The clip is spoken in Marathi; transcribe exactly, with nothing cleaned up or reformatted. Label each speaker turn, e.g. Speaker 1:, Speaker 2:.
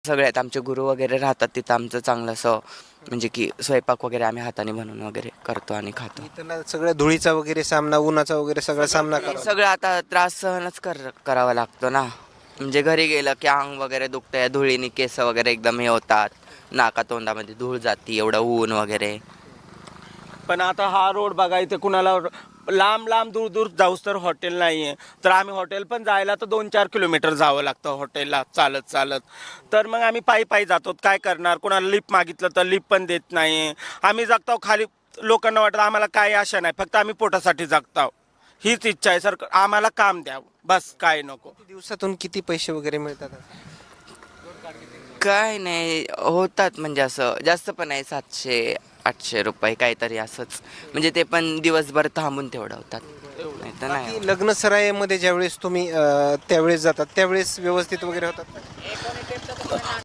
Speaker 1: सगळ्यात आमचे गुरु वगैरे राहतात तिथं आमचं चांगलं असं म्हणजे की स्वयंपाक वगैरे आम्ही हाताने बनवून वगैरे करतो आणि खातो.
Speaker 2: इथं सगळ्या धुळीचा वगैरे सामना, उन्हाचा वगैरे सगळा सामना
Speaker 1: हे
Speaker 2: करा.
Speaker 1: सगळं आता त्रास सहनच कर करावा लागतो ना. म्हणजे घरी गेलं की अंग वगैरे दुखतंय, धुळीने केस वगैरे एकदम हे होतात, नाका तोंडामध्ये धूळ जाती, एवढं ऊन वगैरे.
Speaker 3: पण आता हा रोड बघा, इथे कुणाला लांब लांब दूर दूर जाऊस तर हॉटेल नाही आहे, तर आम्ही हॉटेल पण जायला तर दोन चार किलोमीटर जावं लागतं हॉटेलला चालत चालत. तर मग आम्ही पायी पायी जातो. काय करणार, कोणाला लिफ्ट मागितलं तर लिफ्ट पण देत नाही. आम्ही जगतो खाली, लोकांना वाटतं आम्हाला काही आशा नाही, फक्त आम्ही पोटासाठी जगतो. हीच इच्छा आहे सर, आम्हाला काम द्यावं, बस काय नको.
Speaker 2: दिवसातून किती पैसे वगैरे मिळतात?
Speaker 1: काय नाही होतात म्हणजे असं जास्त पण नाही, सातशे आठशे रुपये काहीतरी असंच. म्हणजे ते पण दिवसभर थांबून तेवढं होतात, नाही तर नाही.
Speaker 2: बाकी लग्न सराईमध्ये ज्यावेळेस तुम्ही अ, त्यावेळेस जातात त्यावेळेस व्यवस्थित वगैरे होतात?